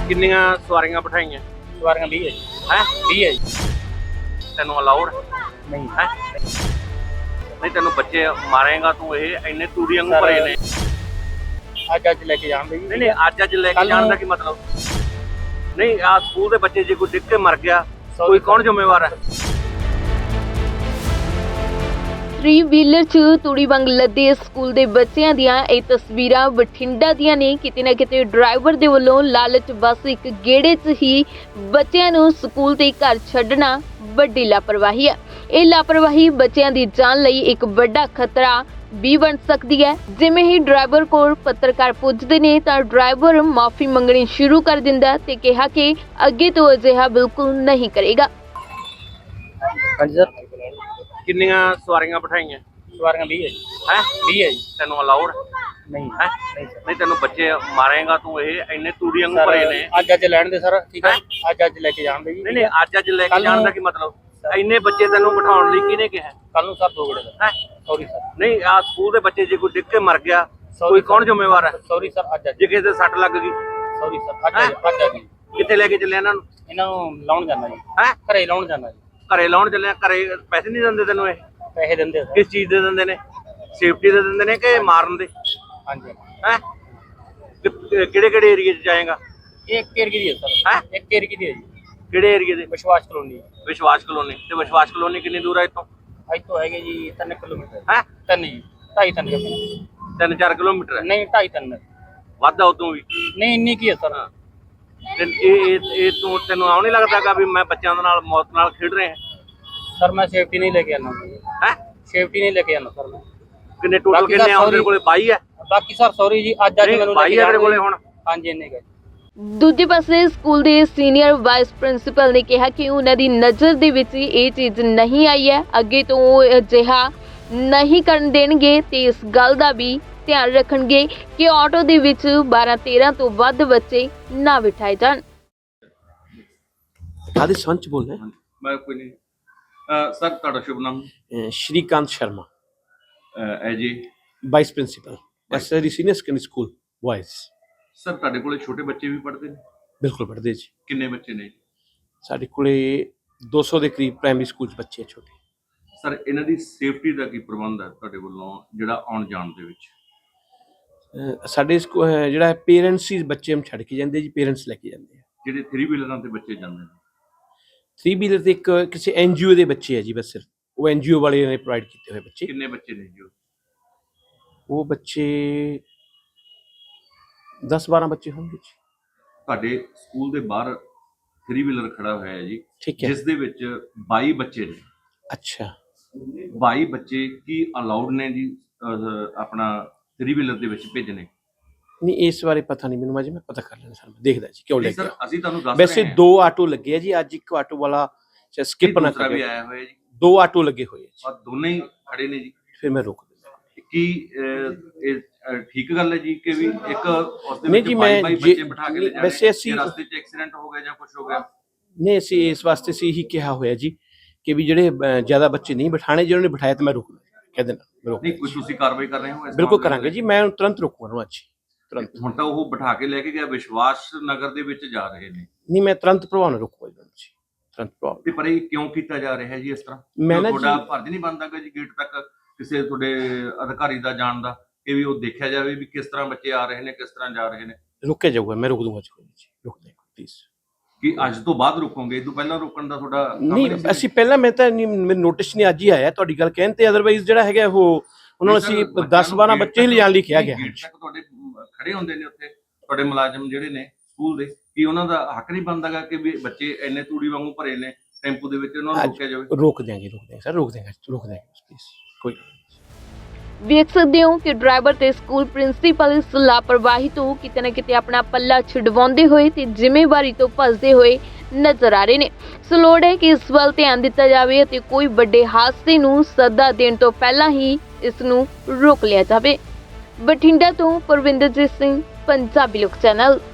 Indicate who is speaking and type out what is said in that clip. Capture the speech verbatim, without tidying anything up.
Speaker 1: ਕਿੰਨੀਆਂ ਸਵਾਰੀਆਂ ਬਿਠਾਈਆਂ?
Speaker 2: ਸਵਾਰੀਆਂ ਵੀਹ ਹੈ ਜੀ।
Speaker 1: ਹੈ
Speaker 2: ਵੀਹ ਹੈ ਜੀ।
Speaker 1: ਤੈਨੂੰ ਅਲਾਉਡ
Speaker 2: ਨਹੀਂ
Speaker 1: ਹੈ? ਨਹੀਂ ਤੈਨੂੰ ਬੱਚੇ ਮਾਰੇਗਾ ਤੂੰ? ਇਹ ਇੰਨੇ ਤੂੜੀ ਵਾਂਗੂ ਭਰੇ ਨੇ।
Speaker 2: ਅੱਜ ਅੱਜ ਲੈ ਕੇ ਜਾਣਦੇ ਜੀ।
Speaker 1: ਨਹੀਂ ਨਹੀਂ ਅੱਜ ਅੱਜ ਲੈ ਕੇ ਜਾਣ ਦਾ ਕੀ ਮਤਲਬ? ਨਹੀਂ ਆ ਸਕੂਲ ਦੇ ਬੱਚੇ ਜੇ ਕੋਈ ਡਿੱਗ ਕੇ ਮਰ ਗਿਆ ਕੋਈ ਕੌਣ ਜ਼ਿੰਮੇਵਾਰ ਹੈ?
Speaker 3: ਥ੍ਰੀ ਵੀਲਰ 'ਚ ਤੂੜੀ ਵਾਂਗ ਲੱਦੇ ਸਕੂਲ ਦੇ ਬੱਚਿਆਂ ਦੀਆਂ ਇਹ ਤਸਵੀਰਾਂ ਬਠਿੰਡਾ ਦੀਆਂ ਨੇ। ਕਿਤੇ ਨਾ ਕਿਤੇ ਡਰਾਈਵਰ ਦੇ ਵੱਲੋਂ ਲਾਲਚ ਬਸ ਇੱਕ ਗੇੜੇ 'ਚ ਹੀ ਬੱਚਿਆਂ ਨੂੰ ਸਕੂਲ ਤੇ ਘਰ ਛੱਡਣਾ ਵੱਡੀ ਲਾਪਰਵਾਹੀ ਹੈ। ਇਹ ਲਾਪਰਵਾਹੀ ਬੱਚਿਆਂ ਦੀ ਜਾਨ ਲਈ ਇੱਕ ਵੱਡਾ ਖਤਰਾ ਵੀ ਬਣ ਸਕਦੀ ਹੈ। ਜਿਵੇਂ ਹੀ ਡਰਾਈਵਰ ਕੋਲ ਪੱਤਰਕਾਰ ਪੁੱਜਦੇ ਨੇ ਤਾਂ ਡਰਾਈਵਰ ਮਾਫੀ ਮੰਗਣੀ ਸ਼ੁਰੂ ਕਰ ਦਿੰਦਾ ਤੇ ਕਿਹਾ ਕਿ ਅੱਗੇ ਤੋਂ ਅਜਿਹਾ ਬਿਲਕੁਲ ਨਹੀਂ ਕਰੇਗਾ।
Speaker 2: ਹਾਂਜੀ ਸਰ।
Speaker 1: ਕਿੰਨੀਆਂ ਸਵਾਰੀਆਂ ਬਿਠਾਈਆਂ?
Speaker 2: ਸਵਾਰੀਆਂ ਵੀਹ ਹੈ ਜੀ।
Speaker 1: ਹੈ
Speaker 2: ਵੀਹ ਹੈ ਜੀ।
Speaker 1: ਤੈਨੂੰ ਅਲਾਉਡ
Speaker 2: ਨਹੀਂ
Speaker 1: ਹੈ?
Speaker 2: ਨਹੀਂ ਸਰ।
Speaker 1: ਨਹੀਂ ਤੈਨੂੰ ਬੱਚੇ ਮਾਰੇਗਾ ਤੂੰ? ਇਹ ਇੰਨੇ ਤੂੜੀ ਵਾਂਗੂ ਭਰੇ ਨੇ।
Speaker 2: ਅੱਜ ਅੱਜ ਲੈਣ ਦੇ ਸਰ। ਠੀਕ ਹੈ ਅੱਜ ਅੱਜ ਲੈ ਕੇ ਜਾਣਦੇ ਜੀ।
Speaker 1: ਨਹੀਂ ਨਹੀਂ ਅੱਜ ਅੱਜ ਲੈ ਕੇ ਜਾਣ ਦਾ ਕੀ ਮਤਲਬ? ਇੰਨੇ ਬੱਚੇ ਤੈਨੂੰ ਬਿਠਾਉਣ ਲਈ ਕਿਹਨੇ ਕਿਹਾ?
Speaker 2: ਕੱਲ ਨੂੰ ਸਰ ਦੋ ਗੜੇ ਦਾ।
Speaker 1: ਹੈ
Speaker 2: ਸੌਰੀ ਸਰ।
Speaker 1: ਨਹੀਂ ਆ ਸਕੂਲ ਦੇ ਬੱਚੇ ਜੇ ਕੋਈ ਡਿੱਗ ਕੇ ਮਰ ਗਿਆ ਕੋਈ ਕੌਣ ਜ਼ਿੰਮੇਵਾਰ ਹੈ?
Speaker 2: Sorry sir. ਅੱਜ ਅੱਜ
Speaker 1: ਜੇ ਕਿਸੇ ਦੇ ਸੱਟ ਲੱਗ ਗਈ?
Speaker 2: Sorry sir. ਅੱਜ ਅੱਜ ਅੱਜ ਅੱਜ
Speaker 1: ਕਿੱਥੇ ਲੈ ਕੇ ਚੱਲੇ ਇਹਨਾਂ ਨੂੰ?
Speaker 2: ਇਹਨਾਂ ਨੂੰ ਲਾਉਣ ਜਾਣਾ ਜੀ।
Speaker 1: ਹੈ
Speaker 2: ਘਰੇ ਲਾਉਣ ਜਾਣਾ ਜੀ।
Speaker 1: ਘਰੇ ਲਾਉਣ ਚੱਲੇ? ਘਰੇ ਪੈਸੇ ਨਹੀਂ ਦਿੰਦੇ ਤੈਨੂੰ? ਇਹ
Speaker 2: ਪੈਸੇ ਦਿੰਦੇ
Speaker 1: ਕਿਸ ਚੀਜ਼ ਦੇ ਦਿੰਦੇ ਨੇ? ਸੇਫਟੀ ਦੇ ਦਿੰਦੇ ਨੇ ਕਿ ਮਾਰਨ ਦੇ?
Speaker 2: ਹਾਂਜੀ।
Speaker 1: ਹੈ ਕਿਹੜੇ ਕਿਹੜੇ ਏਰੀਏ 'ਚ ਜਾਏਗਾ?
Speaker 2: ਇਹ ਇੱਕ ਏਰੀਏ ਦੀ ਹੈ ਸਰ।
Speaker 1: ਹੈ
Speaker 2: ਇੱਕ ਏਰੀਏ ਦੀ ਹੈ ਜੀ।
Speaker 1: ਕਿਹੜੇ ਏਰੀਏ ਦੇ?
Speaker 2: ਵਿਸ਼ਵਾਸ ਕਲੋਨੀ।
Speaker 1: ਵਿਸ਼ਵਾਸ ਕਲੋਨੀ। ਤੇ ਵਿਸ਼ਵਾਸ ਕਲੋਨੀ ਕਿੰਨੀ ਦੂਰ ਹੈ ਇੱਥੋਂ?
Speaker 2: ਇੱਥੋਂ ਹੈਗੇ ਜੀ ਤਿੰਨ ਕਿਲੋਮੀਟਰ।
Speaker 1: ਹੈ
Speaker 2: ਤਿੰਨ ਜੀ। ਢਾਈ ਤਿੰਨ ਕਿਲੋਮੀਟਰ।
Speaker 1: ਤਿੰਨ ਚਾਰ ਕਿਲੋਮੀਟਰ ਹੈ?
Speaker 2: ਨਹੀਂ ਢਾਈ ਤਿੰਨ।
Speaker 1: ਵੱਧ ਆ ਉਦੋਂ ਵੀ?
Speaker 2: ਨਹੀਂ ਇੰਨੀ ਕੀ ਹੈ ਸਰ।
Speaker 1: ਤੇ ਇਹ ਇਹ ਇਹ ਤੂੰ ਤੈਨੂੰ ਆਉ ਨਹੀਂ ਲੱਗਦਾਗਾ ਵੀ ਮੈਂ ਬੱਚਿਆਂ ਦੇ ਨਾਲ ਮੌਤ ਨਾਲ ਖੇਡ ਰਿਹਾ?
Speaker 2: ਸਰ ਮੈਂ ਸੇਫਟੀ ਨਹੀਂ ਲੈ ਕੇ ਆਣਾ।
Speaker 1: ਹੈ
Speaker 2: ਸੇਫਟੀ ਨਹੀਂ ਲੈ ਕੇ ਆਣਾ ਸਰ ਮੈਂ।
Speaker 1: ਕਿੰਨੇ ਟੋਟਲ ਕਿੰਨੇ ਆ ਤੇਰੇ ਕੋਲੇ? ਬਾਈ ਹੈ?
Speaker 2: ਬਾਕੀ ਸਰ ਸੌਰੀ ਜੀ। ਅੱਜ ਅੱਜ ਮੈਨੂੰ
Speaker 1: ਬਾਈ ਹੈ ਤੇਰੇ ਕੋਲੇ ਹੁਣ?
Speaker 2: ਹਾਂਜੀ ਇੰਨੇ ਗਏ।
Speaker 3: ਦੂਜੇ ਪਾਸੇ ਸਕੂਲ ਦੇ ਸੀਨੀਅਰ ਵਾਈਸ ਪ੍ਰਿੰਸੀਪਲ ਨੇ ਕਿਹਾ ਕਿ ਉਹਨਾਂ ਦੀ ਨਜ਼ਰ ਦੇ ਵਿੱਚ ਇਹ ਚੀਜ਼ ਨਹੀਂ ਆਈ ਹੈ। ਅੱਗੇ ਤੋਂ ਉਹ ਅਜਿਹਾ ਨਹੀਂ ਕਰਨ ਦੇਣਗੇ ਤੇ ਇਸ ਗੱਲ ਦਾ ਵੀ ਧਿਆਨ ਰੱਖਣਗੇ ਕਿ ਆਟੋ ਦੇ ਵਿੱਚ ਬਾਰਾਂ ਤੇਰਾਂ ਤੋਂ ਵੱਧ ਬੱਚੇ ਨਾ ਬਿਠਾਏ ਜਾਣ।
Speaker 4: आदि संच बोल रहे हैं।
Speaker 1: ਮੈਂ ਕੋਈ ਨਹੀਂ ਸਰ। ਤੁਹਾਡਾ ਸ਼ੁਭ ਨਾਮ?
Speaker 4: अ, श्रीकांत शर्मा,
Speaker 1: ਐ ਜੀ।
Speaker 4: Vice principal SRD senior secondary school boys.
Speaker 1: Sir ਤੁਹਾਡੇ ਕੋਲੇ ਛੋਟੇ ਬੱਚੇ ਵੀ ਪੜ੍ਹਦੇ ਨੇ?
Speaker 4: बिल्कुल पढ़ते जी।
Speaker 1: ਕਿੰਨੇ ਬੱਚੇ ਨੇ?
Speaker 4: साढ़े कोले दो सौ के करीब प्राइमरी स्कूल बच्चे छोटे।
Speaker 1: ਸਰ ਇਹਨਾਂ ਦੀ ਸੇਫਟੀ ਦਾ ਕੀ ਪ੍ਰਬੰਧ ਹੈ ਤੁਹਾਡੇ ਵੱਲੋਂ ਜਿਹੜਾ ਆਉਣ ਜਾਣ ਦੇ ਵਿੱਚ?
Speaker 4: अ, साढ़े स्कूल ਜਿਹੜਾ पेरेंट्स ही बच्चे हम छड़ के जाते जी। पेरेंट्स लेके जाते हैं।
Speaker 1: ਜਿਹੜੇ ਥ्री ਵੀਲਰਾਂ ਤੇ ਬੱਚੇ ਜਾਂਦੇ ਨੇ?
Speaker 4: थ्री व्हीलर ਤੇ ਇੱਕ ਕਿਸੇ एनजीओ ਦੇ ਬੱਚੇ ਹੈ ਜੀ ਬਸ ਸਿਰਫ। ਉਹ एनजीओ ਵਾਲੇ ਨੇ ਪ੍ਰੋਵਾਈਡ ਕੀਤੇ ਹੋਏ ਬੱਚੇ।
Speaker 1: ਕਿੰਨੇ ਬੱਚੇ ਨੇ ਜੀ?
Speaker 4: ਉਹ ਬੱਚੇ दस बारह ਬੱਚੇ ਹੋਣਗੇ ਜੀ।
Speaker 1: ਤੁਹਾਡੇ ਸਕੂਲ ਦੇ ਬਾਹਰ ਥ्री ਵੀਲਰ ਖੜਾ ਹੋਇਆ ਹੈ ਜੀ,
Speaker 4: ਠੀਕ ਹੈ।
Speaker 1: ਜਿਸ ਦੇ ਵਿੱਚ ਬਾਈ ਬੱਚੇ ਨੇ।
Speaker 4: ਅੱਛਾ।
Speaker 1: ਬਾਈ ਬੱਚੇ ਕੀ ਅਲਾਉਡ ਨੇ ਜੀ ਅਹ, ਆਪਣਾ ਥ्री ਵੀਲਰ ਦੇ ਵਿੱਚ ਭੇਜਣੇ?
Speaker 4: ਨਹੀਂ ਇਸ ਬਾਰੇ ਪਤਾ ਨਹੀਂ ਮੈਨੂੰ। ਅਜੇ ਮੈਂ ਪਤਾ ਕਰ ਲੈਣਾ ਸਰ। ਮੈਂ ਦੇਖਦਾ ਜੀ ਕਿਉਂ
Speaker 1: ਨਹੀਂ
Speaker 4: ਲੱਗਿਆ।
Speaker 1: ਸਰ ਅਸੀਂ ਤੁਹਾਨੂੰ ਦੱਸ
Speaker 4: ਵੈਸੇ
Speaker 1: ਰਹੇ ਹਾਂ।
Speaker 4: ਦੋ ਆਟੋ ਲੱਗੇ ਆ ਜੀ ਅੱਜ। ਇੱਕ ਆਟੋ ਵਾਲਾ ਸਕਿਪ ਨਾ
Speaker 1: ਦੂਸਰਾ ਵੀ
Speaker 4: ਕਰੇ।
Speaker 1: ਆਇਆ ਹੋਇਆ ਜੀ।
Speaker 4: ਦੋ ਆਟੋ ਲੱਗੇ ਹੋਏ ਆ ਜੀ।
Speaker 1: ਔਰ ਦੋਨੇ ਹੀ ਖੜੇ ਨੇ ਜੀ।
Speaker 4: ਫਿਰ ਮੈਂ ਰੋਕ ਦਿੰਦਾ।
Speaker 1: ਕੀ ਅਹ, ਇਹ ਅਹ, ਠੀਕ ਗੱਲ ਹੈ ਜੀ ਕਿ ਵੀ ਇੱਕ ਉਸ ਦੇ
Speaker 4: ਨਹੀਂ
Speaker 1: ਵਿੱਚ
Speaker 4: ਜੀ,
Speaker 1: ਬਾਈ
Speaker 4: ਮੈਂ
Speaker 1: ਬਾਈ
Speaker 4: ਜੇ-
Speaker 1: ਬੱਚੇ ਬਿਠਾ ਕੇ ਲੈ ਜਾਣੇ?
Speaker 4: ਵੈਸੇ ਅਸੀਂ-
Speaker 1: ਜੇ ਰਸਤੇ 'ਚ ਐਕਸੀਡੈਂਟ ਹੋ ਗਿਆ ਜਾਂ ਕੁਝ ਹੋ ਗਿਆ?
Speaker 4: ਨਹੀਂ ਅਸੀਂ ਇਸ ਵਾਸਤੇ ਸੀ ਹੀ ਕਿਹਾ ਹੋਇਆ ਜੀ ਕਿ ਵੀ ਜਿਹੜੇ ਅਹ, ਜ਼ਿਆਦਾ ਬੱਚੇ ਨਹੀਂ ਬਿਠਾਣੇ। ਜਿਹਨਾਂ ਨੇ ਬਿਠਾਇਆ ਤਾਂ ਮੈਂ ਰੋਕ ਕਹਿ ਦੇਣਾ। ਮੈਂ ਰੋਕ
Speaker 1: ਨਹੀਂ ਕੋਈ ਤੁਸੀਂ ਕਾਰਵਾਈ ਕਰ ਰਹੇ ਹੋ ਇਸ
Speaker 4: ਬਿਲਕੁਲ
Speaker 1: ਮਾਮਲੇ
Speaker 4: ਕਰਾਂਗੇ
Speaker 1: ਦੇ?
Speaker 4: ਜੀ। ਮੈਂ ਤੁਰੰਤ ਰੋਕੂਗਾ ਉਹਨੂੰ ਅੱਜ ਤੁਰੰਤ।
Speaker 1: ਹੁਣ ਤਾਂ ਉਹ ਬਿਠਾ ਕੇ ਲੈ ਕੇ ਗਿਆ ਵਿਸ਼ਵਾਸ ਨਗਰ ਦੇ ਵਿੱਚ ਜਾ ਰਹੇ ਨੇ।
Speaker 4: ਨਹੀਂ ਮੈਂ ਤੁਰੰਤ ਪ੍ਰਭਾਵ ਨਾਲ ਰੋਕੂਗਾ ਜੀ ਉਹਨੂੰ ਜੀ। ਤੁਰੰਤ ਪ੍ਰਭਾਵ।
Speaker 1: ਤੇ ਪਰ ਇਹ ਕਿਉਂ ਕੀਤਾ ਜਾ ਰਿਹਾ ਹੈ ਜੀ ਇਸ ਤਰ੍ਹਾਂ?
Speaker 4: ਮੈਂ ਨਾ
Speaker 1: ਤੁਹਾਡਾ
Speaker 4: ਜੀ-
Speaker 1: ਫਰਜ਼ ਨਹੀਂ ਬਣਦਾ ਕਿ ਜੀ ਗੇਟ ਤੱਕ ਕਿਸੇ ਤੁਹਾਡੇ ਅਧਿਕਾਰੀ ਦਾ ਜਾਣ ਦਾ ਕਿ ਵੀ ਉਹ ਦੇਖਿਆ ਜਾਵੇ ਵੀ ਕਿਸ ਤਰ੍ਹਾਂ ਬੱਚੇ ਆ ਰਹੇ ਨੇ, ਕਿਸ ਤਰ੍ਹਾਂ ਜਾ ਰਹੇ ਨੇ?
Speaker 4: ਰੁਕਿਆ ਜਾਊਗਾ। ਮੈਂ ਰੋਕ ਦੂੰਗਾ ਜੀ ਕੋਈ ਨਹੀਂ ਜੀ। ਰੋਕ ਦੇਗਾ ਪਲੀਜ਼।
Speaker 1: ਕਿ ਅੱਜ ਤੋਂ ਬਾਅਦ ਰੁਕੋਗੇ? ਇਹ ਤੋਂ ਪਹਿਲਾਂ ਰੋਕਣ ਦਾ ਤੁਹਾਡਾ ਕੰਮ
Speaker 4: ਨਹੀਂ
Speaker 1: ਸੀ?
Speaker 4: ਅਸੀਂ ਪਹਿਲਾਂ ਮੈਂ ਤਾਂ ਨਹੀਂ ਮੇਰੇ ਨੋਟਿਸ ਨਹੀਂ ਅੱਜ ਹੀ ਆਇਆ ਤੁਹਾਡੀ ਗੱਲ ਕਹਿਣ ਤੇ। ਅਦਰਵਾਈਜ਼ ਜਿਹੜਾ ਹੈਗਾ ਉਹ ਉਹਨਾਂ ਨੂੰ ਅਸੀਂ ਦਸ ਬਾਰਾਂ ਬੱਚੇ ਹੀ ਲਿਜਾਣ ਲਈ ਕਿਹਾ ਗਿਆ।
Speaker 1: ਗੇਟ ਤੱਕ ਤੁਹਾਡੇ ਖੜੇ ਹੁੰਦੇ ਨੇ ਉੱਥੇ ਤੁਹਾਡੇ ਮੁਲਾਜ਼ਮ ਜਿਹੜੇ ਨੇ ਸਕੂਲ ਦੇ, ਕੀ ਉਹਨਾਂ ਦਾ ਹੱਕ ਨਹੀਂ ਬਣਦਾਗਾ ਕਿ ਵੀ ਬੱਚੇ ਇੰਨੇ ਤੂੜੀ ਵਾਂਗੂ ਭਰੇ ਨੇ ਟੈਂਪੂ ਦੇ ਵਿੱਚ, ਉਹਨਾਂ ਨੂੰ ਰੋਕਿਆ ਜਾਵੇ?
Speaker 4: ਰੋਕ ਦੇਾਂਗੇ ਰੋਕ ਦੇਾਂਗੇ ਸਰ। ਰੋਕ ਦੇਾਂਗੇ ਰੋਕ ਦੇਾਂਗੇ ਪਲੀਜ਼। ਕੋਈ
Speaker 3: ਵੇਖ ਸਕਦੇ ਹੋ ਕਿ ਡਰਾਈਵਰ ਤੇ ਸਕੂਲ ਪ੍ਰਿੰਸੀਪਲ ਇਸ ਲਾਪਰਵਾਹੀ ਤੋਂ ਕਿਤੇ ਨਾ ਕਿਤੇ ਆਪਣਾ ਪੱਲਾ ਛਡਵਾਉਂਦੇ ਹੋਏ ਤੇ ਜ਼ਿੰਮੇਵਾਰੀ ਤੋਂ ਭੱਜਦੇ ਹੋਏ ਨਜ਼ਰ ਆ ਰਹੇ ਨੇ। ਸੋ ਲੋੜ ਹੈ ਕਿ ਇਸ ਵੱਲ ਧਿਆਨ ਦਿੱਤਾ ਜਾਵੇ ਅਤੇ ਕੋਈ ਵੱਡੇ ਹਾਦਸੇ ਨੂੰ ਸੱਦਾ ਦੇਣ ਤੋਂ ਪਹਿਲਾਂ ਹੀ ਇਸ ਨੂੰ ਰੋਕ ਲਿਆ ਜਾਵੇ। ਬਠਿੰਡਾ ਤੋਂ ਪਰਵਿੰਦਰਜੀਤ ਸਿੰਘ, ਪੰਜਾਬੀ ਲੋਕ ਚੈਨਲ।